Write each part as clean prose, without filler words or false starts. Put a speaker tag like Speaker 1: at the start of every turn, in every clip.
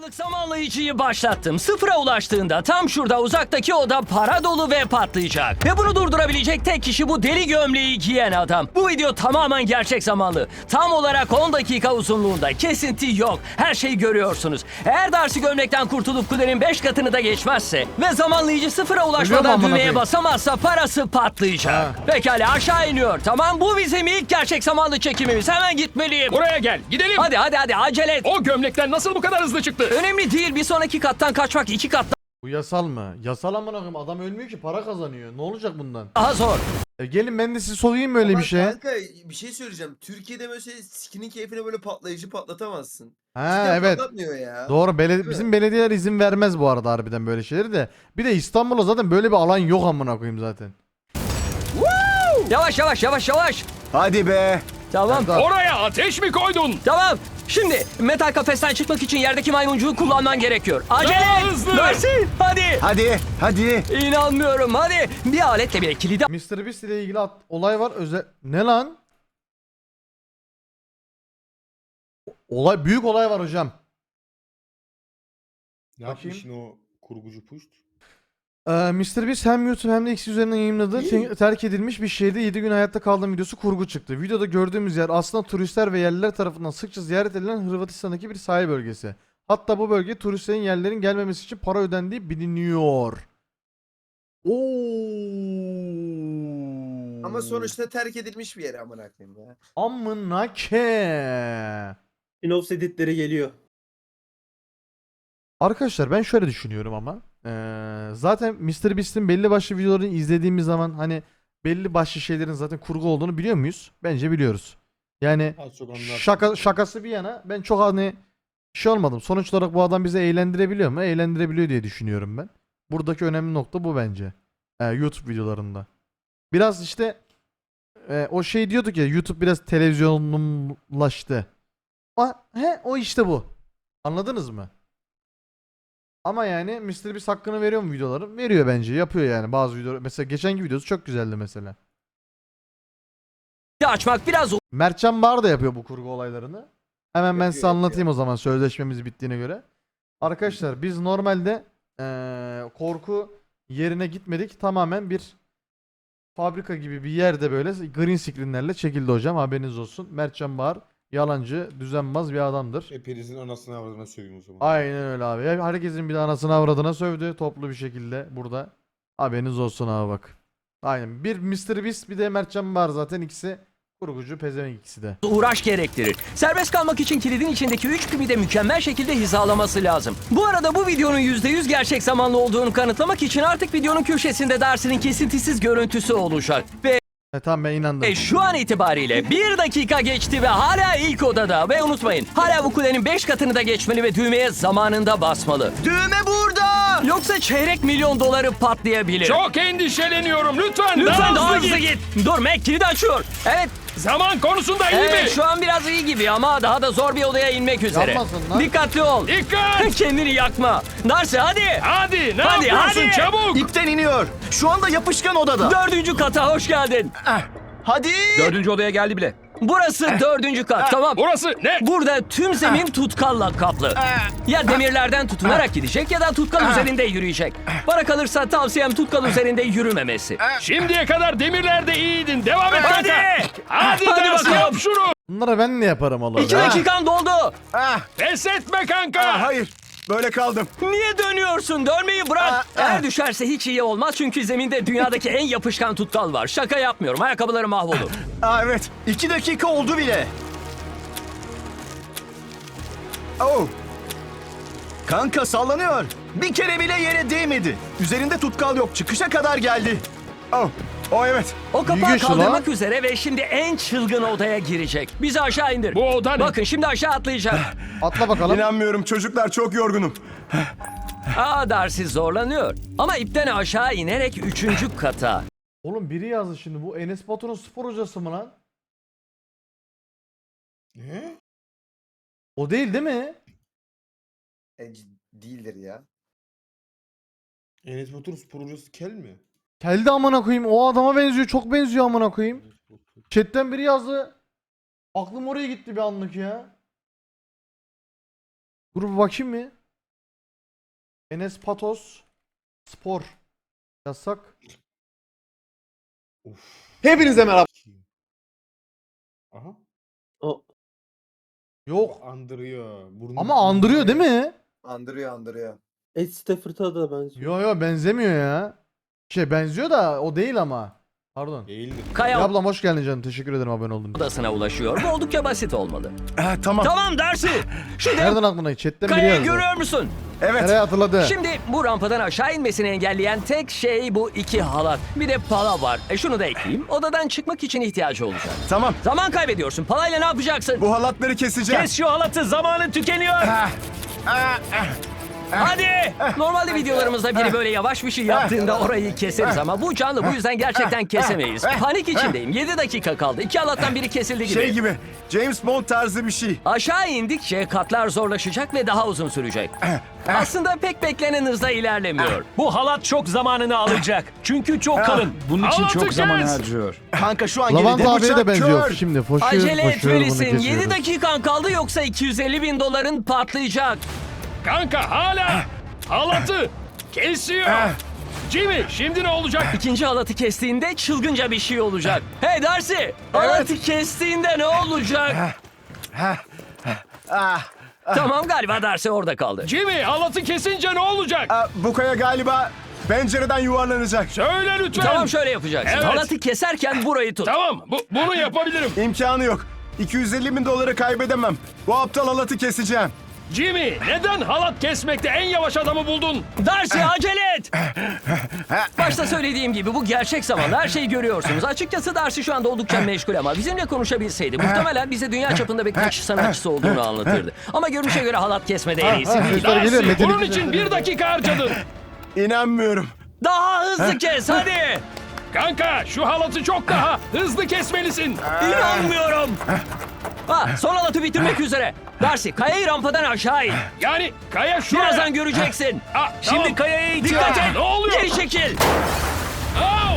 Speaker 1: dakikalık zamanlayıcıyı başlattım. Sıfıra ulaştığında tam şurada uzaktaki oda para dolu ve patlayacak. Ve bunu durdurabilecek tek kişi bu deli gömleği giyen adam. Bu video tamamen gerçek zamanlı. Tam olarak 10 dakika uzunluğunda. Kesinti yok. Her şeyi görüyorsunuz. Eğer Darcy gömlekten kurtulup kulenin 5 katını da geçmezse ve zamanlayıcı sıfıra ulaşmadan düğmeye basamazsa parası patlayacak. Pekala aşağı iniyor. Tamam, bu bizim ilk gerçek zamanlı çekimimiz. Hemen gitmeliyim.
Speaker 2: Buraya gel, gidelim.
Speaker 1: Hadi acele et.
Speaker 2: O gömlekten nasıl bu kadar hızlı çıktı?
Speaker 1: Önemli değil, bir sonraki kattan kaçmak 2 kat
Speaker 3: Bu yasal mı? Yasal amına koyayım, adam ölmüyor ki, para kazanıyor. Ne olacak bundan?
Speaker 1: daha zor.
Speaker 3: Gelin ben de sizi sokayım böyle bir şey.
Speaker 4: Kanka bir şey söyleyeceğim. Türkiye'de böyle skinin keyfine böyle patlayıcı patlatamazsın.
Speaker 3: Ha
Speaker 4: Cidden
Speaker 3: evet.
Speaker 4: patlatmıyor ya.
Speaker 3: Doğru.
Speaker 4: Değil mi?
Speaker 3: Bizim belediyeler izin vermez bu arada harbiden böyle şeyleri de. Bir de İstanbul'da zaten böyle bir alan yok amına koyayım zaten.
Speaker 1: Yavaş.
Speaker 5: Hadi be.
Speaker 1: Tamam.
Speaker 2: Oraya ateş mi koydun?
Speaker 1: Tamam. Şimdi metal kafesten çıkmak için yerdeki maymuncuğu kullanman gerekiyor. Acele
Speaker 2: Daha
Speaker 1: et.
Speaker 2: hızlı.
Speaker 1: Darcy, hadi.
Speaker 5: Hadi.
Speaker 1: İnanmıyorum, hadi. Bir aletle bile kilidi
Speaker 3: Mr. Beast ile ilgili olay var. Ne lan? Büyük olay var hocam.
Speaker 6: Ne
Speaker 3: Bakayım.
Speaker 6: yapmışsın o kurgucu puşt?
Speaker 3: Mr. Beast hem YouTube hem de X üzerinden yayınladığı terk edilmiş bir şehirde 7 gün hayatta kaldığım videosu kurgu çıktı. Videoda gördüğümüz yer aslında turistler ve yerliler tarafından sıkça ziyaret edilen Hırvatistan'daki bir sahil bölgesi. Hatta bu bölge turistlerin yerlerin gelmemesi için para ödendiği biliniyor.
Speaker 4: Ama sonuçta terk edilmiş bir yer amına koyayım ya.
Speaker 3: Amına ke.
Speaker 7: Spin-off editleri geliyor.
Speaker 3: Arkadaşlar ben şöyle düşünüyorum ama zaten Mr. Beast'in belli başlı videolarını izlediğimiz zaman hani belli başlı şeylerin zaten kurgu olduğunu biliyor muyuz? Bence biliyoruz. Yani
Speaker 6: Az çok onlar.
Speaker 3: şakası bir yana ben çok hani şey olmadım. Sonuç olarak bu adam bizi eğlendirebiliyor mu? Eğlendirebiliyor diye düşünüyorum ben. Buradaki önemli nokta bu bence. YouTube videolarında. Biraz işte o şey diyorduk ya, YouTube biraz televizyonlaştı. O işte bu. Anladınız mı? Ama yani Mr. Beast hakkını veriyor mu videoları? Veriyor bence. Yapıyor yani bazı videolar. Mesela geçenki videosu çok güzeldi mesela.
Speaker 1: açmak biraz
Speaker 3: Mertcan Bar da yapıyor bu kurgu olaylarını. Hemen ben size
Speaker 4: Yapıyor.
Speaker 3: anlatayım o zaman sözleşmemiz bittiğine göre. Arkadaşlar biz normalde korku yerine gitmedik. Tamamen bir fabrika gibi bir yerde böyle green screenlerle çekildi hocam. Haberiniz olsun. Mertcan Bar yalancı, düzenbaz bir adamdır.
Speaker 6: Hepinizin anasını avradına söveyim o zaman.
Speaker 3: Aynen öyle abi. Herkesin bir de anasını avradına sövdü toplu bir şekilde burada. Haberiniz olsun abi bak. Aynen. Bir Mr. Beast bir de Mertcan var zaten, ikisi kurgucu pezevenk ikisi de.
Speaker 1: uğraş gerektirir. Serbest kalmak için kilidin içindeki 3 pimi de mükemmel şekilde hizalaması lazım. Bu arada bu videonun %100 gerçek zamanlı olduğunu kanıtlamak için artık videonun köşesinde Darcy'nin kesintisiz görüntüsü olacak. Ve
Speaker 3: Tamam ben inandım.
Speaker 1: şu an itibariyle 1 dakika geçti ve hala ilk odada. Ve unutmayın, hala bu kulenin 5 katını da geçmeli ve düğmeye zamanında basmalı.
Speaker 5: Düğme burada.
Speaker 1: Yoksa çeyrek milyon doları patlayabilir.
Speaker 2: Çok endişeleniyorum. Lütfen
Speaker 1: Lütfen daha hızlı git. Dur, Mac kilidi açıyor. Evet.
Speaker 2: Zaman konusunda iyi mi?
Speaker 1: Evet, şu an biraz iyi gibi ama daha da zor bir odaya inmek üzere.
Speaker 3: Yapmasın lan.
Speaker 1: Dikkatli ol.
Speaker 2: Dikkat!
Speaker 1: Kendini yakma. Darcy hadi.
Speaker 2: Hadi ne
Speaker 1: Hadi,
Speaker 2: yapıyorsun
Speaker 1: hadi.
Speaker 2: çabuk?
Speaker 5: İpten iniyor. Şu anda yapışkan odada.
Speaker 1: 4. kata hoş geldin.
Speaker 5: Hadi.
Speaker 2: 4. odaya geldi bile.
Speaker 1: Burası 4. kat, tamam.
Speaker 2: Burası ne?
Speaker 1: Burada tüm zemin tutkalla kaplı. Ya demirlerden tutunarak gidecek ya da tutkal üzerinde yürüyecek. Bana kalırsa tavsiyem tutkal üzerinde yürümemesi.
Speaker 2: Şimdiye kadar demirlerde iyiydin. Devam et
Speaker 1: Hadi.
Speaker 2: kanka. Hadi
Speaker 1: Hadi
Speaker 2: Darcy,
Speaker 1: bakalım.
Speaker 2: yap şunu.
Speaker 3: Bunlara ben ne yaparım oğlum?
Speaker 1: 2 dakikan doldu.
Speaker 2: Pes etme kanka.
Speaker 5: Hayır. Böyle kaldım.
Speaker 1: Niye dönüyorsun? Dönmeyi bırak. Eğer düşerse hiç iyi olmaz çünkü zeminde dünyadaki en yapışkan tutkal var. Şaka yapmıyorum. Ayakkabıları mahvolur.
Speaker 5: Evet. 2 dakika oldu bile. Oh. Kanka sallanıyor. Bir kere bile yere değmedi. Üzerinde tutkal yok. Çıkışa kadar geldi. Oh evet.
Speaker 1: O kapağı
Speaker 3: güçlü
Speaker 1: kaldırmak üzere ve şimdi en çılgın odaya girecek. Bizi aşağı indir.
Speaker 2: Bu oda ne?
Speaker 1: Bakın şimdi aşağı atlayacak.
Speaker 3: Atla bakalım.
Speaker 5: İnanmıyorum çocuklar, çok yorgunum.
Speaker 1: Darcy zorlanıyor. Ama ipten aşağı inerek 3. kata.
Speaker 3: Oğlum biri yazdı şimdi, bu Enes Batur'un spor hocası mı lan?
Speaker 6: Ne?
Speaker 3: O değil mi?
Speaker 4: Değildir ya.
Speaker 6: Enes Batur spor hocası kel mi?
Speaker 3: Keldi amına koyayım, o adama benziyor, çok benziyor amına koyayım. Chat'ten biri yazdı. Aklım oraya gitti bir anlık ya. Dur bir bakayım mı? Enes Patos spor yasak.
Speaker 6: Hepinize merhaba. Aha.
Speaker 7: O
Speaker 3: Yok
Speaker 6: Andırıyor. Burnu
Speaker 3: ama andırıyor değil mi?
Speaker 4: Andırıyor.
Speaker 7: Ed Stafford'a da benziyor.
Speaker 3: Yo benzemiyor ya. Benziyor da o değil ama. Pardon.
Speaker 6: Değildir.
Speaker 3: Ya
Speaker 1: Kaya
Speaker 3: ablam hoş geldin canım. Teşekkür ederim abone olduğun için.
Speaker 1: odasına ulaşıyor. Bu oldukça basit olmalı.
Speaker 5: Tamam.
Speaker 1: Tamam Darcy. Şu dev
Speaker 3: Nereden aklına? Chatten biri
Speaker 1: kayayı
Speaker 3: yazdı.
Speaker 1: görüyor musun?
Speaker 5: Evet.
Speaker 3: Nereye hatırladı?
Speaker 1: Şimdi bu rampadan aşağı inmesini engelleyen tek şey bu iki halat. Bir de pala var. Şunu da ekleyeyim. Odadan çıkmak için ihtiyacı olacak.
Speaker 5: Tamam.
Speaker 1: Zaman kaybediyorsun. Palayla ne yapacaksın?
Speaker 5: Bu halatları keseceğim.
Speaker 1: Kes şu halatı. Zamanın tükeniyor. Hadi. Normalde videolarımızda biri böyle yavaş bir şey yaptığında orayı keseriz ama bu canlı, bu yüzden gerçekten kesemeyiz. Panik içindeyim. 7 dakika kaldı. İki halattan biri kesildi gibi.
Speaker 5: Şey gibi. James Bond tarzı bir şey.
Speaker 1: Aşağı indikçe katlar zorlaşacak ve daha uzun sürecek. Aslında pek beklenen hızda ilerlemiyor.
Speaker 2: Bu halat çok zamanını alacak. Çünkü çok kalın. Bunun için çok zaman harcıyor.
Speaker 5: Kanka şu an geride
Speaker 3: Lavanta abiye de
Speaker 5: bıçak
Speaker 3: benziyor.
Speaker 5: kör.
Speaker 3: Şimdi koşuyor
Speaker 1: Acele
Speaker 3: bunu
Speaker 1: etmelisin. 7
Speaker 3: kesiyoruz.
Speaker 1: dakikan kaldı yoksa $250.000 patlayacak.
Speaker 2: Kanka hala halatı kesiyor. Jimmy şimdi ne olacak?
Speaker 1: İkinci halatı kestiğinde çılgınca bir şey olacak. Hey Darcy! Halatı kestiğinde ne olacak? Tamam galiba Darcy orada kaldı.
Speaker 2: Jimmy halatı kesince ne olacak?
Speaker 5: Bu kaya galiba pencereden yuvarlanacak.
Speaker 2: Söyle lütfen.
Speaker 1: Tamam şöyle yapacaksın.
Speaker 2: Evet.
Speaker 1: Halatı keserken burayı tut.
Speaker 2: Tamam bunu yapabilirim.
Speaker 5: İmkanı yok. $250.000 kaybedemem. Bu aptal halatı keseceğim.
Speaker 2: Jimmy neden halat kesmekte en yavaş adamı buldun?
Speaker 1: Darcy acele et! Başta söylediğim gibi bu gerçek zamanda her şeyi görüyorsunuz. Açıkçası Darcy şu anda oldukça meşgul ama bizimle konuşabilseydi muhtemelen bize dünya çapında bir kaçış sanatçısı olduğunu anlatırdı. Ama görünüşe göre halat kesmede en iyisi değil.
Speaker 3: Sesler geliyor.
Speaker 2: Darcy
Speaker 3: Metin
Speaker 2: bunun
Speaker 3: iki
Speaker 2: için
Speaker 3: sesleri.
Speaker 2: 1 dakika harcadın.
Speaker 5: İnanmıyorum.
Speaker 1: Daha hızlı kes hadi!
Speaker 2: Kanka şu halatı çok daha hızlı kesmelisin.
Speaker 1: İnanmıyorum! Son halatı bitirmek üzere. Darcy kayayı rampadan aşağı in.
Speaker 2: Yani kaya şuraya.
Speaker 1: Birazdan göreceksin.
Speaker 2: Tamam.
Speaker 1: Şimdi kayaya dikkat et.
Speaker 2: Ne oluyor?
Speaker 1: Geri çekil.
Speaker 2: Au!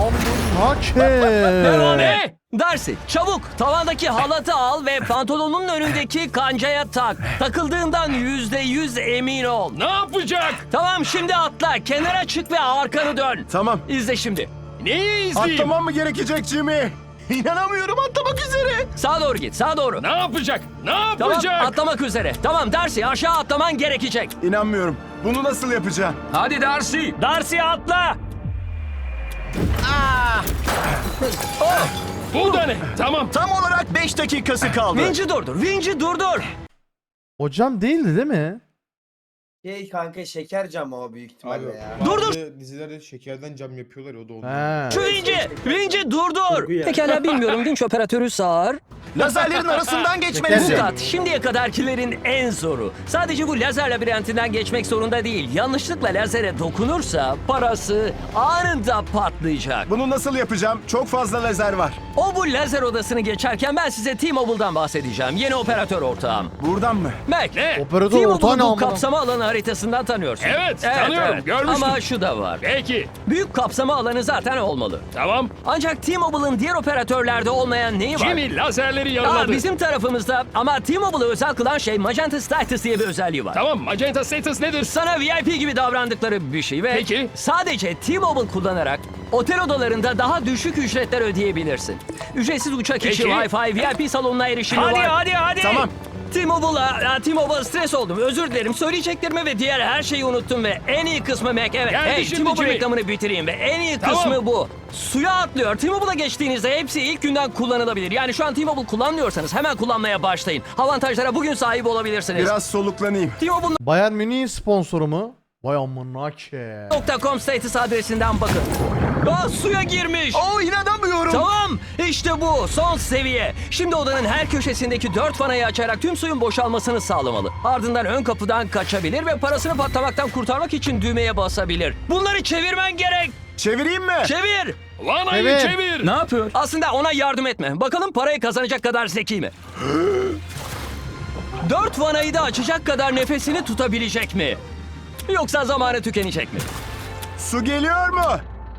Speaker 1: Devam
Speaker 2: Ne?
Speaker 1: et. Darcy çabuk tavandaki halatı al ve pantolonun önündeki kancaya tak. Takıldığından %100 emin ol.
Speaker 2: Ne yapacak?
Speaker 1: Tamam şimdi atla. Kenara çık ve arkanı dön.
Speaker 5: Tamam.
Speaker 1: İzle şimdi.
Speaker 2: Neyi izleyeyim?
Speaker 5: Atlamam mı gerekecek Jimmy? İnanamıyorum, atlamak üzere.
Speaker 1: Sağa doğru git. Sağa doğru.
Speaker 2: Ne yapacak? Ne
Speaker 1: Tamam
Speaker 2: yapacak?
Speaker 1: atlamak üzere. Tamam Darcy aşağı atlaman gerekecek.
Speaker 5: İnanmıyorum. Bunu nasıl yapacağım?
Speaker 1: Hadi Darcy. Darcy atla.
Speaker 2: Bu da ne? Tamam.
Speaker 5: Tam olarak 5 dakikası kaldı.
Speaker 1: Vinci durdur. Vinci durdur.
Speaker 3: Hocam değildi değil mi?
Speaker 4: Kanka şeker camı o büyük
Speaker 6: Abi
Speaker 4: ihtimalle ya.
Speaker 1: Dur,
Speaker 6: bazı dizilerde şekerden cam yapıyorlar ya o da oldu.
Speaker 3: He.
Speaker 1: Şu Vinci. Vinci durdur.
Speaker 7: Kurgu ya.
Speaker 1: Pekala bilmiyorum. Vinç operatörü sağır.
Speaker 5: Lazerlerin arasından
Speaker 1: Bu
Speaker 5: geçmelisin.
Speaker 1: kat şimdiye kadarkilerin en zoru. Sadece bu lazer labirentinden geçmek zorunda değil. Yanlışlıkla lazere dokunursa parası anında patlayacak.
Speaker 5: Bunu nasıl yapacağım? Çok fazla lazer var.
Speaker 1: O bu lazer odasını geçerken ben size T-Mobile'dan bahsedeceğim. Yeni operatör ortağım.
Speaker 5: Buradan mı?
Speaker 1: Mac.
Speaker 2: Ne?
Speaker 3: Operatör ortağı ne
Speaker 1: T-Mobile'ı bu
Speaker 3: amına?
Speaker 1: kapsama alanı haritasından tanıyorsun.
Speaker 2: Evet, tanıyorum, görmüştüm.
Speaker 1: Ama şu da var.
Speaker 2: Peki.
Speaker 1: Büyük kapsama alanı zaten olmalı.
Speaker 2: Tamam.
Speaker 1: Ancak T-Mobile'ın diğer operatörlerde olmayan neyi var?
Speaker 2: Jimmy lazerleri yaraladı.
Speaker 1: Bizim tarafımızda ama T-Mobile'ı özel kılan şey Magenta Status diye bir özelliği var.
Speaker 2: Tamam. Magenta status nedir?
Speaker 1: Sana VIP gibi davrandıkları bir şey ve
Speaker 2: Peki.
Speaker 1: sadece T-Mobile kullanarak otel odalarında daha düşük ücretler ödeyebilirsin. Ücretsiz uçak içi
Speaker 2: Peki.
Speaker 1: Wi-Fi, VIP salonuna erişimi
Speaker 2: Hadi,
Speaker 1: var.
Speaker 2: hadi.
Speaker 5: Tamam.
Speaker 1: T-Mobile stres oldum. Özür dilerim. Söyleyeceklerimi ve diğer her şeyi unuttum ve en iyi kısmı Mac. Evet.
Speaker 2: Geldi
Speaker 1: Hey,
Speaker 2: şimdi
Speaker 1: T-Mobile
Speaker 2: Jimmy.
Speaker 1: reklamını bitireyim ve en iyi
Speaker 2: Tamam.
Speaker 1: kısmı bu. Suya atlıyor. T-Mobile'a geçtiğinizde hepsi ilk günden kullanılabilir. Yani şu an T-Mobile kullanmıyorsanız hemen kullanmaya başlayın. Avantajlara bugün sahip olabilirsiniz.
Speaker 5: Biraz soluklanayım.
Speaker 3: Bayern Münih sponsoru mu? Vay amına ke.
Speaker 1: T-Mobile.com status adresinden bakın. Suya girmiş.
Speaker 5: Oo, inanamıyorum.
Speaker 1: Tamam işte bu son seviye. Şimdi odanın her köşesindeki 4 vanayı açarak tüm suyun boşalmasını sağlamalı. Ardından ön kapıdan kaçabilir ve parasını patlamaktan kurtarmak için düğmeye basabilir. Bunları çevirmen gerek.
Speaker 5: Çevireyim mi?
Speaker 1: Çevir.
Speaker 2: Vanayı
Speaker 3: Evet.
Speaker 2: çevir.
Speaker 1: Ne yapıyor? Aslında ona yardım etme. Bakalım parayı kazanacak kadar zeki mi? 4 vanayı da açacak kadar nefesini tutabilecek mi? Yoksa zamanı tükenecek mi?
Speaker 5: Su geliyor mu?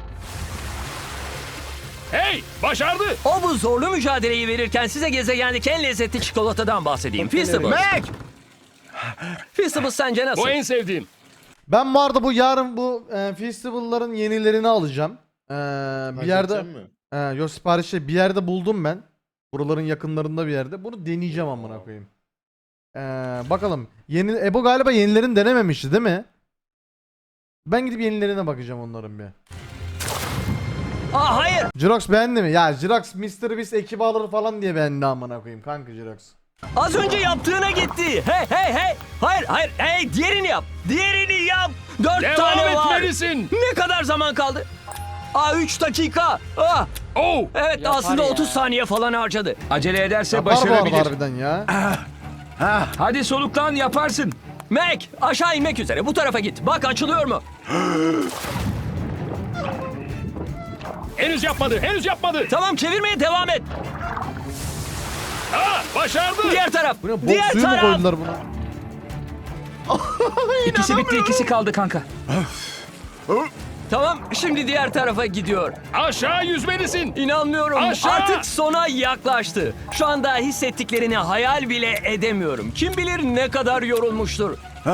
Speaker 2: Hey, başardı.
Speaker 1: O bu zorlu mücadeleyi verirken size gezegendeki en lezzetli çikolatadan bahsedeyim. Feastables.
Speaker 5: Mac!
Speaker 1: Feastables sence nasıl?
Speaker 2: Bu en sevdiğim.
Speaker 3: Ben bu arada bu yarın bu festival'ların yenilerini alacağım. Bir yerde
Speaker 6: Halledecek mi?
Speaker 3: yok siparişte bir yerde buldum ben. Buraların yakınlarında bir yerde. Bunu deneyeceğim amına koyayım. Bakalım. Yeni Ebo galiba yenilerini denememişti değil mi? Ben gidip yenilerine bakacağım onların bir.
Speaker 1: Aa hayır.
Speaker 3: Jirox beğendi mi? Ya Jirox Mr. Beast ekibi alır falan diye beğendi amına koyayım kanka Jirox.
Speaker 1: Az önce yaptığına gitti. Hey hey hey. Hayır hayır. Hey diğerini yap. Diğerini yap. 4
Speaker 2: Devam
Speaker 1: tane var.
Speaker 2: etmelisin.
Speaker 1: Ne kadar zaman kaldı? 3 dakika.
Speaker 2: Oh.
Speaker 1: Evet aslında 30 saniye falan harcadı.
Speaker 2: Acele ederse
Speaker 3: Yapar bu arada
Speaker 2: başarabilir.
Speaker 3: harbiden ya.
Speaker 2: Hadi soluklan, yaparsın.
Speaker 1: Mac aşağı inmek üzere. Bu tarafa git. Bak açılıyor mu?
Speaker 2: Henüz yapmadı, henüz yapmadı.
Speaker 1: Tamam çevirmeye devam et.
Speaker 2: Başardı.
Speaker 1: Diğer taraf.
Speaker 3: Bu ne bok
Speaker 1: Diğer
Speaker 3: suyu mu
Speaker 1: taraf.
Speaker 3: koydular buna?
Speaker 2: İkisi bitti, ikisi kaldı kanka.
Speaker 1: Tamam şimdi diğer tarafa gidiyor.
Speaker 2: Aşağı yüzmelisin.
Speaker 1: İnanmıyorum.
Speaker 2: Aşağı!
Speaker 1: Artık sona yaklaştı. Şu anda hissettiklerini hayal bile edemiyorum. Kim bilir ne kadar yorulmuştur.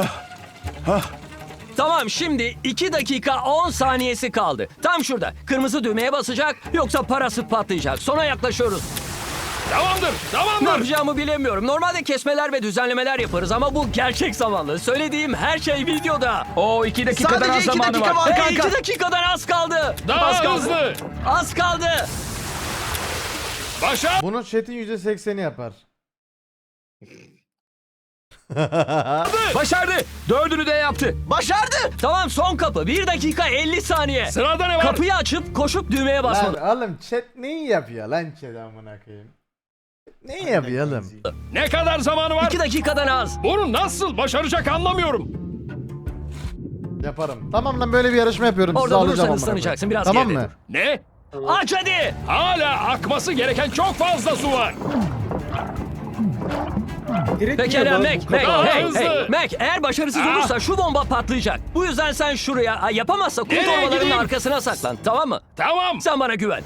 Speaker 1: Tamam şimdi 2 dakika 10 saniyesi kaldı. Tam şurada. Kırmızı düğmeye basacak yoksa parası patlayacak. Sona yaklaşıyoruz.
Speaker 2: Tamamdır,
Speaker 1: Ne
Speaker 2: tamamdır.
Speaker 1: yapacağımı bilemiyorum. Normalde kesmeler ve düzenlemeler yaparız ama bu gerçek zamanlı. Söylediğim her şey videoda.
Speaker 2: O 2 dakikadan
Speaker 5: Sadece
Speaker 2: az
Speaker 5: 2
Speaker 2: zamanı
Speaker 5: dakika
Speaker 2: var.
Speaker 5: var
Speaker 1: Hey,
Speaker 5: kanka.
Speaker 1: 2 dakikadan az kaldı.
Speaker 2: Daha
Speaker 1: az kaldı.
Speaker 2: hızlı.
Speaker 1: Az kaldı.
Speaker 2: Başar.
Speaker 3: Bunu chat'in %80'i yapar.
Speaker 2: Başardı. 4'ünü de yaptı.
Speaker 5: Başardı.
Speaker 1: Tamam son kapı. 1 dakika 50 saniye.
Speaker 2: Sırada ne var?
Speaker 1: Kapıyı açıp koşup düğmeye
Speaker 3: Lan
Speaker 1: basmalı.
Speaker 3: oğlum chat neyi yapıyor lan chat amına koyayım? Neyi yapıyor oğlum?
Speaker 2: Ne kadar zamanı var?
Speaker 1: 2 dakikadan az.
Speaker 2: Bunu nasıl başaracak anlamıyorum.
Speaker 3: Yaparım. Tamam lan böyle bir yarışma yapıyorum. Sizi
Speaker 1: Orada
Speaker 3: alacağım
Speaker 1: durursan
Speaker 3: amına
Speaker 1: ıslanacaksın.
Speaker 3: koyayım.
Speaker 1: Biraz
Speaker 3: Tamam
Speaker 1: geride
Speaker 3: mı?
Speaker 1: dur.
Speaker 2: Ne?
Speaker 1: Aç hadi.
Speaker 2: Hala akması gereken çok fazla su var.
Speaker 7: Direkt
Speaker 1: Pekala
Speaker 7: yiyor,
Speaker 1: Mac,
Speaker 7: bu
Speaker 1: Mac,
Speaker 7: kadar.
Speaker 2: Daha
Speaker 1: hey,
Speaker 2: hızlı.
Speaker 1: hey. Mac eğer başarısız olursa şu bomba patlayacak. Bu yüzden sen şuraya, yapamazsa kum
Speaker 2: Nereye
Speaker 1: torbalarının
Speaker 2: gideyim?
Speaker 1: arkasına saklan, tamam mı?
Speaker 2: Tamam.
Speaker 1: Sen bana güven.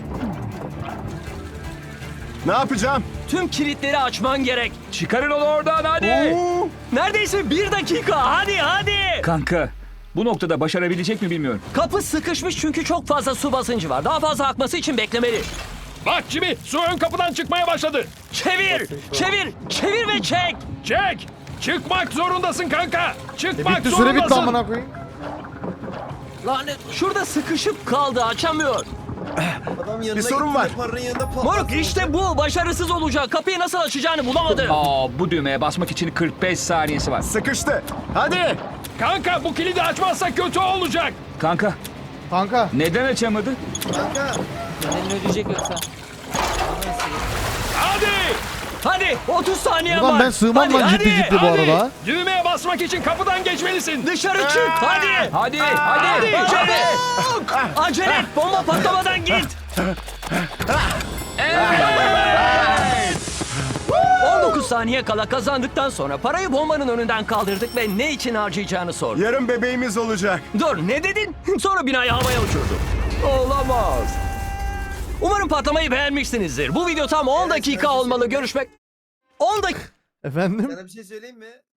Speaker 5: Ne yapacağım?
Speaker 1: Tüm kilitleri açman gerek.
Speaker 2: Çıkarın onu oradan hadi.
Speaker 5: Oo.
Speaker 1: Neredeyse 1 dakika, hadi hadi.
Speaker 2: Kanka, bu noktada başarabilecek mi bilmiyorum.
Speaker 1: Kapı sıkışmış çünkü çok fazla su basıncı var. Daha fazla akması için beklemeli.
Speaker 2: Bak Jimmy, su ön kapıdan çıkmaya başladı.
Speaker 1: Çevir, çevir, çevir ve çek.
Speaker 2: Çek. Çıkmak zorundasın kanka. Çıkmak
Speaker 3: Bitti süre bitti
Speaker 2: zorundasın.
Speaker 3: amına koyayım.
Speaker 1: Lanet, şurada sıkışıp kaldı, açamıyor.
Speaker 4: Adam yanına
Speaker 5: sorun
Speaker 4: gitti,
Speaker 5: var.
Speaker 4: Paranın yanında patlattı.
Speaker 1: Moruk işte bu, başarısız olacak. Kapıyı nasıl açacağını bulamadı.
Speaker 2: Bu düğmeye basmak için 45 saniyesi var.
Speaker 5: Sıkıştı. Hadi.
Speaker 2: Kanka bu kilidi açmazsak kötü olacak. Kanka,
Speaker 3: Kanka.
Speaker 2: neden açamadı?
Speaker 4: Kanka.
Speaker 2: Hadi.
Speaker 1: Hadi 30 saniye
Speaker 3: Buradan
Speaker 1: var.
Speaker 3: ben sığmam lan ciddi ciddi bu
Speaker 2: Hadi.
Speaker 3: arada.
Speaker 2: Düğmeye basmak için kapıdan geçmelisin.
Speaker 1: Dışarı çık hadi.
Speaker 2: Hadi, hadi.
Speaker 1: Acele et bomba patlamadan git. 19 saniye kala kazandıktan sonra parayı bombanın önünden kaldırdık ve ne için harcayacağını sorduk.
Speaker 5: Yarın bebeğimiz olacak.
Speaker 1: Dur ne dedin? Sonra binayı havaya uçurduk. Olamaz. Umarım patlamayı beğenmişsinizdir. Bu video tam 10 dakika olmalı. Görüşmek... 10 dakika...
Speaker 3: Efendim?
Speaker 4: Sana bir şey söyleyeyim mi?